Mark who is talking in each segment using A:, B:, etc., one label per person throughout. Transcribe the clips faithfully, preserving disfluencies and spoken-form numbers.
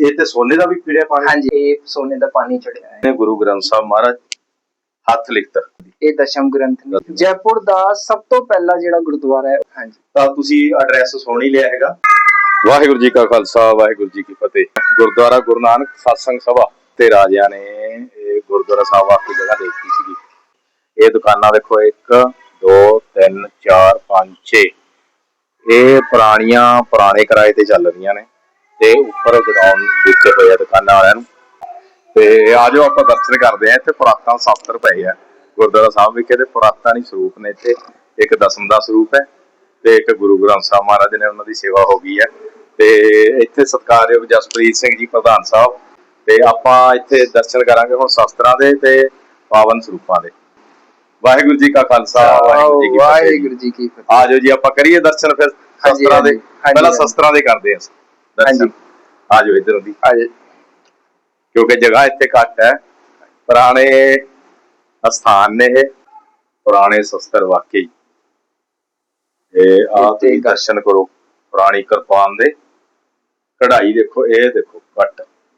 A: ਇਹ ਤੇ ਸੋਨੇ ਦਾ ਵੀ ਪੀੜਿਆ ਪਾਣੀ?
B: ਹਾਂਜੀ, ਇਹ ਸੋਨੇ ਦਾ ਪਾਣੀ ਚੜਿਆ ਹੈ।
A: ਗੁਰੂ ਗ੍ਰੰਥ ਸਾਹਿਬ ਮਹਾਰਾਜ ਹੱਥ ਲਿਖਤ,
B: ਇਹ ਦਸ਼ਮ ਗ੍ਰੰਥ ਨੇ। ਜੈਪੁਰ ਦਾ ਸਭ ਤੋਂ ਪਹਿਲਾ ਜਿਹੜਾ ਗੁਰਦੁਆਰਾ ਹੈ। ਹਾਂਜੀ,
A: ਤਾਂ ਤੁਸੀਂ ਐਡਰੈਸ ਸੁਣ ਹੀ ਲਿਆ ਹੈਗਾ। ਵਾਹਿਗੁਰੂ ਜੀ ਕਾ ਖਾਲਸਾ, ਵਾਹਿਗੁਰੂ ਜੀ ਕੀ ਫਤਿਹ। ਗੁਰਦੁਆਰਾ ਗੁਰੂ ਨਾਨਕ ਸਤਸੰਗ ਸਭਾ ਤੇ ਰਾਜਿਆਂ ਨੇ ਇਹ ਗੁਰਦੁਆਰਾ ਸਾਹਿਬ ਆ ਕੇ ਜਗ੍ਹਾ ਦੇਖੀ ਸੀਗੀ। ਇਹ ਦੁਕਾਨਾਂ ਦੇਖੋ, ਇੱਕ ਦੋ ਤਿੰਨ ਚਾਰ ਪੰਜ ਛੇ, ਇਹ ਪੁਰਾਣੀਆਂ ਪੁਰਾਣੇ ਕਿਰਾਏ ਤੇ ਚੱਲ ਰਹੀਆਂ ਨੇ ਤੇ ਉੱਪਰ ਗਰਾਊਂਡ ਦਿੱਤੇ ਹੋਏ ਆ ਦੁਕਾਨਾਂ ਵਾਲਿਆਂ ਨੂੰ। ਤੇ ਆ ਜਾਓ ਆਪਾਂ ਦਰਸ਼ਨ ਕਰਦੇ ਆ। ਇੱਥੇ ਪੁਰਾਤਨ ਸ਼ਾਸਤਰ ਪਏ ਆ ਗੁਰਦੁਆਰਾ ਸਾਹਿਬ ਵਿਖੇ, ਤੇ ਪੁਰਾਤਨ ਹੀ ਸਰੂਪ ਨੇ ਇੱਥੇ। ਇੱਕ ਦਸਮ ਦਾ ਸਰੂਪ ਹੈ ਤੇ ਇੱਕ ਗੁਰੂ ਗ੍ਰੰਥ ਸਾਹਿਬ ਮਹਾਰਾਜ ਨੇ ਉਹਨਾਂ ਦੀ ਸੇਵਾ ਹੋ ਗਈ ਹੈ। ਤੇ ਇੱਥੇ ਸਤਿਕਾਰਯੋਗ ਜਸਪ੍ਰੀਤ ਸਿੰਘ ਜੀ ਪ੍ਰਧਾਨ ਸਾਹਿਬ, ਤੇ ਆਪਾਂ ਇੱਥੇ ਦਰਸ਼ਨ ਕਰਾਂਗੇ ਹੁਣ ਸ਼ਾਸਤਰਾਂ ਦੇ ਤੇ ਪਾਵਨ ਸਰੂਪਾਂ ਦੇ। ਵਾਹਿਗੁਰੂ ਜੀ ਕਾ ਖਾਲਸਾ, ਵਾਹਿਗੁਰੂ ਜੀ ਕੀ ਫਤਿਹ।
B: ਵਾਹਿਗੁਰੂ ਜੀ ਕੀ ਫਤਿਹ।
A: ਆ ਜਾਓ ਜੀ, ਆਪਾਂ ਕਰੀਏ ਦਰਸ਼ਨ ਫਿਰ ਸ਼ਾਸਤਰਾਂ ਦੇ। ਪਹਿਲਾਂ ਸ਼ਾਸਤਰਾਂ ਦੇ ਕਰਦੇ ਆ ਦਰਸ਼ਨ। ਆ ਜਾਓ ਇੱਧਰੋਂ ਦੀ,
B: ਆ ਜਾਓ,
A: ਕਿਉਂਕਿ ਜਗ੍ਹਾ ਇੱਥੇ ਘੱਟ ਹੈ। ਪੁਰਾਣੇ ਅਸਥਾਨ ਨੇ ਇਹ, ਪੁਰਾਣੇ ਸ਼ਸਤਰ ਵਾਕਈ। ਇਹ ਆ ਤੁਸੀਂ ਦਰਸ਼ਨ ਕਰੋ, ਪੁਰਾਣੀ ਕਿਰਪਾਨ ਦੇ ਕਢਾਈ ਦੇਖੋ, ਇਹ ਦੇਖੋ ਕੱਟ।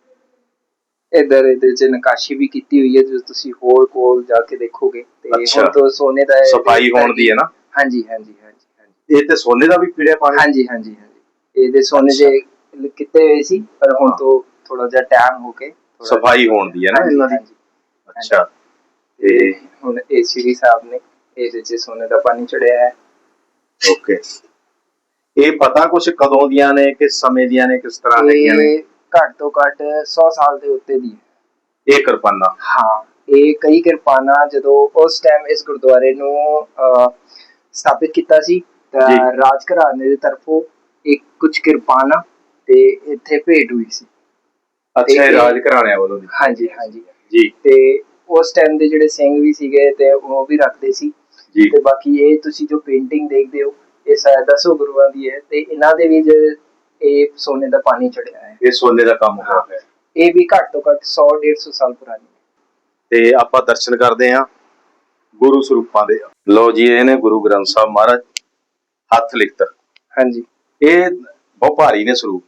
B: ਇਧਰ ਇਹਦੇ ਚ ਨਕਾਸ਼ੀ ਵੀ ਕੀਤੀ ਹੋਈ ਹੈ, ਜੋ ਤੁਸੀਂ ਹੋਰ ਕੋਲ ਜਾ ਕੇ ਦੇਖੋਗੇ। ਤੇ ਹੁਣ ਤੋਂ ਸੋਨੇ ਦਾ
A: ਸਫਾਈ ਹੋਣ ਦੀ ਹੈ ਨਾ?
B: ਹਾਂਜੀ ਹਾਂਜੀ ਹਾਂਜੀ ਹਾਂਜੀ।
A: ਇਹ ਤੇ ਸੋਨੇ ਦਾ ਵੀ ਪੀੜਿਆ ਪਾਣੀ?
B: ਹਾਂਜੀ ਹਾਂਜੀ ਹਾਂਜੀ, ਇਹਦੇ ਸੋਨੇ ਦੇ ਕੀਤੇ ਹੋਏ ਸੀ, ਪਰ ਹੁਣ ਤੋਂ ਥੋੜਾ ਜਿਹਾ ਟਾਈਮ ਹੋ ਕੇ
A: ਸਫਾਈ ਹੋਣ ਦੀ ਹੈ ਨਾ ਇਹਨਾਂ ਦੀ। ਅੱਛਾ, ਤੇ
B: ਹੁਣ ਇਹ ਸ੍ਰੀ ਸਾਹਿਬ ਨੇ ਇਹਦੇ ਚ ਸੋਨੇ ਦਾ ਪਾਣੀ ਚੜਿਆ ਹੈ।
A: ਓਕੇ, ਇਹ ਪਤਾ ਕੁਛ ਕਦੋਂ ਦੀਆਂ ਨੇ, ਕਿਸ ਸਮੇਂ ਦੀਆਂ ਨੇ, ਕਿਸ ਤਰ੍ਹਾਂ ਦੀਆਂ ਨੇ?
B: ਘੱਟ ਤੋਂ ਘੱਟ ਸੌ ਸਾਲ ਦੇ ਉੱਤੇ ਦੀ
A: ਇਹ ਕਿਰਪਾਨਾਂ?
B: ਹਾਂ, ਇਹ ਕਈ ਕਿਰਪਾਨਾਂ ਜਦੋਂ ਉਸ ਟਾਈਮ ਇਸ ਗੁਰਦੁਆਰੇ ਨੂੰ ਅਹ ਸਥਾਪਿਤ ਕੀਤਾ ਸੀ ਤਾਂ ਰਾਜ ਘਰਾਣੇ ਦੀ ਤਰਫੋਂ ਇੱਕ ਕੁਝ ਕਿਰਪਾਨਾਂ ਤੇ ਇੱਥੇ ਭੇਟ ਹੋਈ ਸੀ।
A: ਅੱਛਾ, ਇਹ ਰਾਜ ਘਰਾਣਿਆਂ ਵੱਲੋਂ?
B: ਹਾਂਜੀ ਹਾਂਜੀ
A: ਜੀ।
B: ਤੇ ਉਸ ਟਾਈਮ ਦੇ ਜਿਹੜੇ ਸਿੰਘ ਵੀ ਸੀਗੇ ਤੇ ਉਹ ਵੀ ਰੱਖਦੇ ਸੀ
A: ਜੀ।
B: ਤੇ ਬਾਕੀ ਇਹ ਤੁਸੀਂ ਜੋ ਪੇਂਟਿੰਗ ਦੇਖਦੇ ਹੋ, ਇਹ ਸ਼ਾਇਦ ਦਸੋਂ ਗੁਰੂਆਂ ਦੀ ਹੈ ਤੇ ਇਹਨਾਂ ਦੇ ਵੀ ਇਹ ਸੋਨੇ ਦਾ ਪਾਣੀ ਚੜਿਆ ਹੈ।
A: ਇਹ ਸੋਨੇ ਦਾ ਕੰਮ ਹੋਇਆ ਹੈ।
B: ਇਹ ਵੀ ਘੱਟ ਤੋਂ ਘੱਟ ਸੌ ਡੇਢ ਸੌ ਸਾਲ ਪੁਰਾਣੀ ਹੈ। ਤੇ
A: ਆਪਾਂ ਦਰਸ਼ਨ ਕਰਦੇ ਹਾਂ ਗੁਰੂ ਸਰੂਪਾਂ ਦੇ। ਲਓ ਜੀ, ਇਹ ਨੇ ਗੁਰੂ ਗ੍ਰੰਥ ਸਾਹਿਬ ਮਹਾਰਾਜ ਹੱਥ ਲਿਖਤ। ਹਾਂਜੀ, ਇਹ ਬਹੁਤ ਭਾਰੀ ਨੇ ਸਰੂਪ।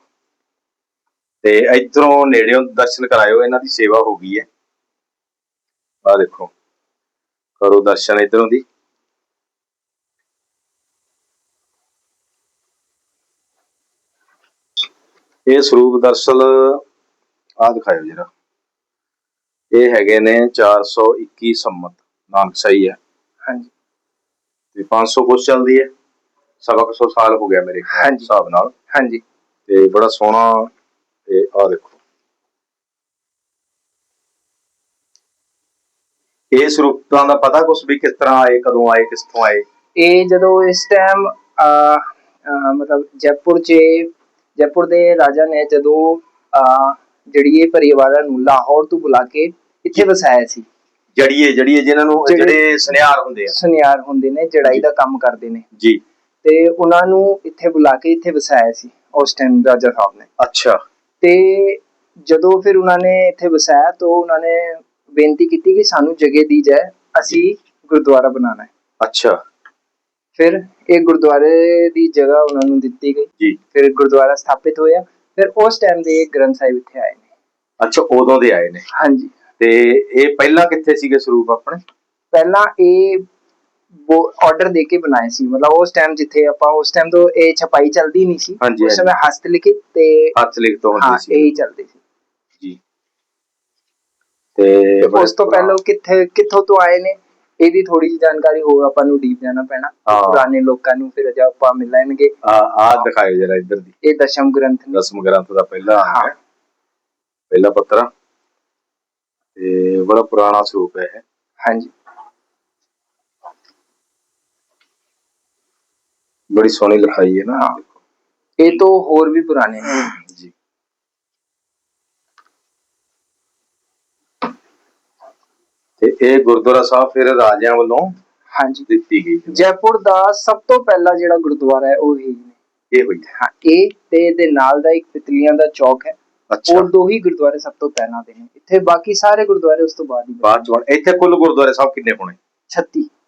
A: ਤੇ ਇਧਰੋਂ ਨੇੜਿਓਂ ਦਰਸ਼ਨ ਕਰਾਇਓ, ਇਹਨਾਂ ਦੀ ਸੇਵਾ ਹੋ ਗਈ ਹੈ। ਆ ਦੇਖੋ, ਕਰੋ ਦਰਸ਼ਨ ਇਧਰੋਂ ਦੀ। ਇਹ ਸਰੂਪ ਦਰਅਸਲ ਆ ਦਿਖਾਇਓ ਜਰਾ। ਇਹ ਹੈਗੇ ਨੇ ਚਾਰ ਸੌ ਇੱਕੀ ਸੰਮਤ ਨਾਨਕਸ਼ਾਹੀ ਹੈ। ਹਾਂਜੀ, ਤੇ ਪੰਜ ਸੌ ਕੁਛ ਚੱਲਦੀ ਹੈ, ਸਵਾ ਕੁ ਸੌ ਸਾਲ ਹੋ ਗਿਆ ਮੇਰੇ ਹਿਸਾਬ ਨਾਲ। ਹਾਂਜੀ, ਤੇ ਬੜਾ ਸੋਹਣਾ। ਤੇ ਆ ਦੇਖੋ, ਇਹ ਸਰੂਪਾਂ ਦਾ ਪਤਾ ਕੁਛ ਵੀ ਕਿਸ ਤਰ੍ਹਾਂ ਆਏ, ਕਦੋਂ ਆਏ, ਕਿੱਥੋਂ ਆਏ? ਇਹ ਜਦੋਂ ਇਸ ਟਾਈਮ ਮਤਲਬ ਜੈਪੁਰ ਚ ਜੈਪੁਰ ਦੇ ਰਾਜਾ ਨੇ ਜਦੋਂ ਅਹ ਜੜੀਏ ਪਰਿਵਾਰਾਂ ਨੂੰ ਲਾਹੌਰ ਤੋਂ ਬੁਲਾ ਕੇ ਇੱਥੇ ਵਸਾਇਆ ਸੀ। ਜੜੀਏ ਜੜੀਏ ਜਿਨ੍ਹਾਂ ਨੂੰ ਜਿਹੜੇ ਸੁਨਿਆਰ ਹੁੰਦੇ ਆ, ਸੁਨਿਆਰ ਹੁੰਦੇ ਨੇ, ਜੜਾਈ ਦਾ ਕੰਮ ਕਰਦੇ ਨੇ ਜੀ। ਤੇ ਉਹਨਾਂ ਨੂੰ ਇੱਥੇ ਬੁਲਾ ਕੇ ਇੱਥੇ ਵਸਾਇਆ ਸੀ ਉਸ ਟਾਈਮ ਰਾਜਾ ਸਾਹਿਬ ਨੇ। ਅੱਛਾ, ਤੇ ਜਦੋਂ ਫਿਰ ਉਹਨਾਂ ਨੇ ਇੱਥੇ ਵਸਾਇਆ ਤਾਂ ਉਹਨਾਂ ਨੇ ਬੇਨਤੀ ਕੀਤੀ ਕਿ ਸਾਨੂੰ ਜਗ੍ਹਾ ਦੀ ਜਾਏ, ਅਸੀਂ ਗੁਰਦੁਆਰਾ ਬਣਾਉਣਾ ਹੈ। ਅੱਛਾ, ਫਿਰ ਇਹ ਗੁਰਦੁਆਰੇ ਦੀ ਜਗ੍ਹਾ ਉਹਨਾਂ ਨੂੰ ਦਿੱਤੀ ਗਈ ਜੀ। ਫਿਰ ਗੁਰਦੁਆਰਾ ਸਥਾਪਿਤ ਹੋਇਆ। ਫਿਰ ਉਸ ਟਾਈਮ ਦੇ ਗ੍ਰੰਥ ਸਾਹਿਬ ਇੱਥੇ ਆਏ ਨੇ। ਅੱਛਾ, ਉਦੋਂ ਦੇ ਆਏ ਨੇ? ਹਾਂਜੀ। ਤੇ ਇਹ ਪਹਿਲਾਂ ਕਿੱਥੇ ਸੀਗੇ ਸਰੂਪ ਆਪਣੇ? ਪਹਿਲਾਂ ਇਹ ਆਰਡਰ ਦੇ ਕੇ ਬਣਾਏ ਸੀ, ਮਤਲਬ ਉਸ ਟਾਈਮ ਜਿੱਥੇ ਆਪਾਂ ਉਸ ਟਾਈਮ ਤੋਂ ਇਹ ਛਪਾਈ ਚੱਲਦੀ ਨਹੀਂ ਸੀ। ਉਸ ਸਮੇਂ ਹਸਤ ਲਿਖਿਤ ਤੇ ਹੱਥ ਲਿਖਤ ਹੁੰਦੀ ਸੀ, ਇਹੀ ਚੱਲਦੇ ਸੀ ਜੀ। ਤੇ ਉਸ ਤੋਂ ਪਹਿਲਾਂ ਕਿੱਥੇ ਕਿੱਥੋਂ ਤੋਂ ਆਏ ਨੇ, ਇਹਦੀ ਥੋੜੀ ਜਿਹੀ ਜਾਣਕਾਰੀ ਹੋ ਆਪਾਂ ਨੂੰ ਡੀਪ ਜਾਣਾ ਪੈਣਾ ਪੁਰਾਣੇ ਲੋਕਾਂ ਨੂੰ, ਫਿਰ ਅਜਾ ਆਪਾਂ ਮਿਲਾਂਗੇ। ਆ ਆ ਦਿਖਾਇਓ ਜਰਾ ਇੱਧਰ ਦੀ। ਇਹ ਦਸ਼ਮ ਗ੍ਰੰਥ, ਦਸਮ ਗ੍ਰੰਥ ਦਾ ਪਹਿਲਾ ਹੈ, ਪਹਿਲਾ ਪੱਤਰ। ਤੇ ਬੜਾ ਪੁਰਾਣਾ ਸਰੂਪ ਹੈ ਇਹ। ਹਾਂਜੀ, ਬੜੀ ਸੋਹਣੀ ਲਿਖਾਈ ਹੈ ਨਾ। ਇਹ ਤੋਂ ਹੋਰ ਵੀ ਪੁਰਾਣੇ ਨੇ ਜੀ। ਤੇ ਇਹ ਗੁਰਦੁਆਰਾ ਸਾਹਿਬ ਫਿਰ ਰਾਜਿਆਂ ਵੱਲੋਂ ਹਾਂਜੀ ਦਿੱਤੀ ਗਈ। ਜੈਪੁਰ ਦਾ ਸਭ ਤੋਂ ਪਹਿਲਾ ਜਿਹੜਾ ਗੁਰਦੁਆਰਾ ਹੈ ਉਹ ਇਹ ਇਹ ਹੋਈ ਹੈ। ਇਹ ਤੇ ਇਹਦੇ ਨਾਲ ਦਾ ਇੱਕ ਪਿਤਲੀਆਂ ਦਾ ਚੌਕ ਹੈ। ਉਹ ਦੋ ਹੀ ਗੁਰਦੁਆਰੇ ਸਭ ਤੋਂ ਪਹਿਲਾਂ ਦੇ ਨੇ ਇੱਥੇ, ਬਾਕੀ ਸਾਰੇ ਗੁਰਦੁਆਰੇ ਉਸ ਤੋਂ ਬਾਅਦ ਹੀ ਬਾਅਦ ਚ। ਇੱਥੇ ਕੁੱਲ ਗੁਰਦੁਆਰੇ ਸਾਹਿਬ ਕਿੰਨੇ ਹੋਣੇ? ਛੱਤੀ।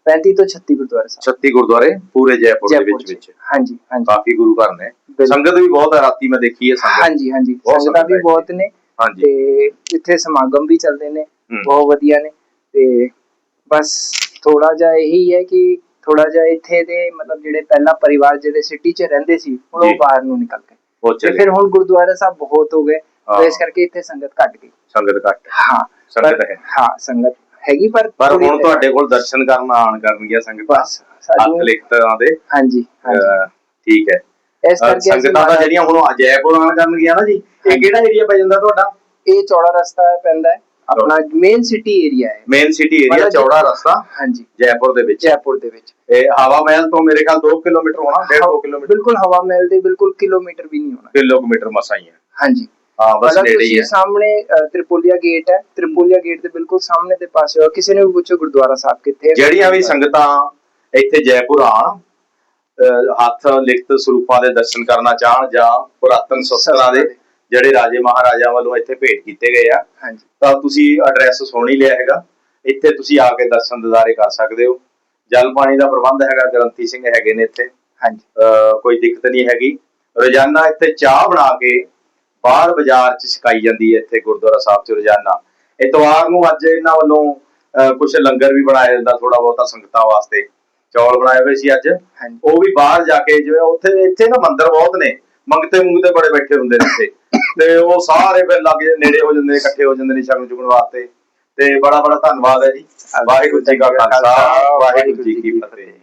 B: पैंती तो छत्ती गुरुद्वारे साहब
A: ਛੱਤੀ ਗੁਰਦੁਆਰੇ ਪੂਰੇ ਜੈਪੁਰ ਦੇ
B: जयपुर
A: ਵਿੱਚ
B: च
A: ਵਿੱਚ
B: हाँ जी हाँ जी
A: ਕਾਫੀ ਗੁਰੂ ਘਰ ਨੇ
B: बिल्कुल।
A: ਸੰਗਤ ਵੀ ਬਹੁਤ ਹੈ ਰਾਤੀ ਮੈਂ ਦੇਖੀ ਹੈ ਸੰਗਤ
B: हाँ जी हाँ जी
A: बहुत
B: संगतां
A: संगत
B: भी
A: है
B: बहुत ने
A: ਹਾਂਜੀ
B: ਤੇ ਇੱਥੇ ਸਮਾਗਮ ਵੀ ਚੱਲਦੇ ਨੇ
A: ਹੂੰ।
B: ਬਹੁਤ ਵਧੀਆ ਨੇ ਤੇ ਬਸ ਥੋੜਾ ਜਿਹਾ ਇਹੀ ਹੈ ਕਿ ਥੋੜਾ ਜਿਹਾ ਇੱਥੇ ਦੇ ਮਤਲਬ ਜਿਹੜੇ ਪਹਿਲਾਂ ਪਰਿਵਾਰ ਜਿਹੜੇ ਸਿਟੀ 'ਚ ਰਹਿੰਦੇ ਸੀ ਹੁਣ
A: ਜੀ।
B: ਉਹ ਬਾਹਰ ਨੂੰ ਨਿਕਲ ਗਏ
A: ਉਹ
B: ਤੇ
A: ਚਲੇ
B: ਫਿਰ ਹੁਣ ਗੁਰਦੁਆਰਾ ਸਾਹਿਬ ਬਹੁਤ ਹੋ ਗਏ
A: ਹਾਂ।
B: तो इस करके इतने संगत घट गई
A: ਸੰਗਤ ਘੱਟ
B: हाँ
A: ਸੰਗਤ
B: पर
A: ਹੈ
B: हाँ संगत हैगी पर
A: ਪਰ
B: थोड़ी
A: ਹੁਣ
B: देर-
A: ਤੁਹਾਡੇ ਕੋਲ ਦਰਸ਼ਨ ਕਰਨ ਆਣ ਕਰਨਗੀਆਂ ਸੰਗਤਾਂ
B: बस
A: ਹੱਥ
B: सानू
A: ਲਿਖਤਾਂ ਦੇ
B: हाँ जी हाँ जी
A: ਅਹ, ਠੀਕ ਹੈ
B: इस
A: ਅਹ,
B: करके ਅਸੀਂ
A: ਸੰਗਤਾਂ ਦਾ
B: महाराज-
A: ਜਿਹੜੀਆਂ ਹੁਣ ਜੈਪੁਰ ਆਣ ਕਰਨਗੀਆਂ ਨਾ ਜੀ ਇਹ
B: ਹਾਂਜੀ।
A: ਕਿਹੜਾ ਏਰੀਆ ਪੈ ਜਾਂਦਾ ਤੁਹਾਡਾ
B: ਇਹ ਚੌੜਾ ਰਸਤਾ ਪੈਂਦਾ ਹੈ ਆਪਣਾ ਮੇਨ ਸਿਟੀ ਏਰੀਆ ਹੈ
A: ਮੇਨ ਸਿਟੀ ਏਰੀਆ
B: ਮਤਲਬ
A: ਚੌੜਾ ਰਸਤਾ
B: ਹਾਂਜੀ
A: ਜੈਪੁਰ ਦੇ ਵਿੱਚ
B: ਜੈਪੁਰ ਦੇ ਵਿੱਚ
A: ਇਹ ਹਵਾ ਮਹਿਲ ਤੋਂ ਮੇਰੇ ਖਿਆਲ ਦੋ ਕਿਲੋਮੀਟਰ ਹੋਣਾ ਡੇਢ ਦੋ ਕਿਲੋਮੀਟਰ
B: ਬਿਲਕੁਲ ਹਵਾ ਮਹਿਲ ਦੇ ਬਿਲਕੁਲ ਕਿਲੋਮੀਟਰ ਵੀ ਨਹੀਂ ਹੋਣਾ
A: ਕਿਲੋਮੀਟਰ ਮਸਾਂ ਹੀ ਹੈ
B: ਹਾਂਜੀ
A: ਹਾਂ ਬਸ
B: ਮਤਲਬ
A: ਨੇੜੇ ਹੀ
B: ਤੁਸੀਂ
A: ਹੈ
B: ਸਾਹਮਣੇ ਅ, ਤ੍ਰਿਪੋਲੀਆ ਗੇਟ ਹੈ ਤ੍ਰਿਪੋਲੀਆ ਗੇਟ ਦੇ ਬਿਲਕੁਲ ਸਾਹਮਣੇ ਦੇ ਪਾਸੇ ਹੋ ਕਿਸੇ ਨੇ ਵੀ ਪੁੱਛੋ ਗੁਰਦੁਆਰਾ ਸਾਹਿਬ ਕਿੱਥੇ ਹੈ
A: ਜਿਹੜੀਆਂ ਵੀ ਸੰਗਤਾਂ ਇੱਥੇ ਜੈਪੁਰ ਆਣ ਅਹ, ਹੱਥ ਲਿਖਤ ਸਰੂਪਾਂ ਦੇ ਦਰਸ਼ਨ ਕਰਨਾ ਚਾਹਣ ਜਾਂ ਪੁਰਾਤਨ ਸ਼ਸਤਰਾਂ ਦੇ ਜਿਹੜੇ ਰਾਜੇ ਮਹਾਰਾਜਾ ਵੱਲੋਂ ਇੱਥੇ ਭੇਟ ਕੀਤੇ ਗਏ ਆ
B: ਹਾਂਜੀ
A: ਤਾਂ ਤੁਸੀਂ ਐਡਰੈਸ ਸੁਣ ਹੀ ਲਿਆ ਹੈਗਾ ਇੱਥੇ ਤੁਸੀਂ ਆ ਕੇ ਦਰਸ਼ਨ ਦਿਦਾਰੇ ਕਰ ਸਕਦੇ ਹੋ ਜਲ ਪਾਣੀ ਦਾ ਪ੍ਰਬੰਧ ਹੈਗਾ ਗ੍ਰੰਥੀ ਸਿੰਘ ਹੈਗੇ ਨੇ ਇੱਥੇ
B: ਹਾਂਜੀ
A: ਅਹ, ਕੋਈ ਦਿੱਕਤ ਨਹੀਂ ਹੈਗੀ ਰੋਜ਼ਾਨਾ ਇੱਥੇ ਚਾਹ ਬਣਾ ਕੇ ਬਾਹਰ ਬਾਜ਼ਾਰ 'ਚ ਛਕਾਈ ਜਾਂਦੀ ਹੈ ਇੱਥੇ ਗੁਰਦੁਆਰਾ ਸਾਹਿਬ 'ਚ ਰੋਜ਼ਾਨਾ ਇਤਵਾਰ ਨੂੰ ਅੱਜ ਇਹਨਾਂ ਵੱਲੋਂ ਕੁਝ ਲੰਗਰ ਵੀ ਬਣਾਇਆ ਜਾਂਦਾ ਥੋੜਾ ਬਹੁਤਾ ਸੰਗਤਾਂ ਵਾਸਤੇ ਚੌਲ ਬਣਾਏ ਹੋਏ ਸੀ ਅੱਜ
B: ਹਾਂਜੀ
A: ਉਹ ਵੀ ਬਾਹਰ ਜਾ ਕੇ ਜਿਵੇਂ ਉੱਥੇ ਇੱਥੇ ਨਾ ਮੰਦਿਰ ਬਹੁਤ ਨੇ ਮੰਗਤੇ ਮੁੰਗਤੇ ਬੜੇ ਬੈਠੇ ਹੁੰਦੇ ਨੇ ਇੱਥੇ ਤੇ ਉਹ ਸਾਰੇ ਫਿਰ ਲਾਗੇ ਨੇੜੇ ਹੋ ਜਾਂਦੇ ਨੇ ਇਕੱਠੇ ਹੋ ਜਾਂਦੇ ਨੇ ਸ਼ਗਨ ਚੁਗਣ ਵਾਸਤੇ ਤੇ ਬੜਾ ਬੜਾ ਧੰਨਵਾਦ ਹੈ ਜੀ ਵਾਹਿਗੁਰੂ ਜੀ ਕਾ ਖਾਲਸਾ ਵਾਹਿਗੁਰੂ ਜੀ ਕੀ ਫਤਿਹ।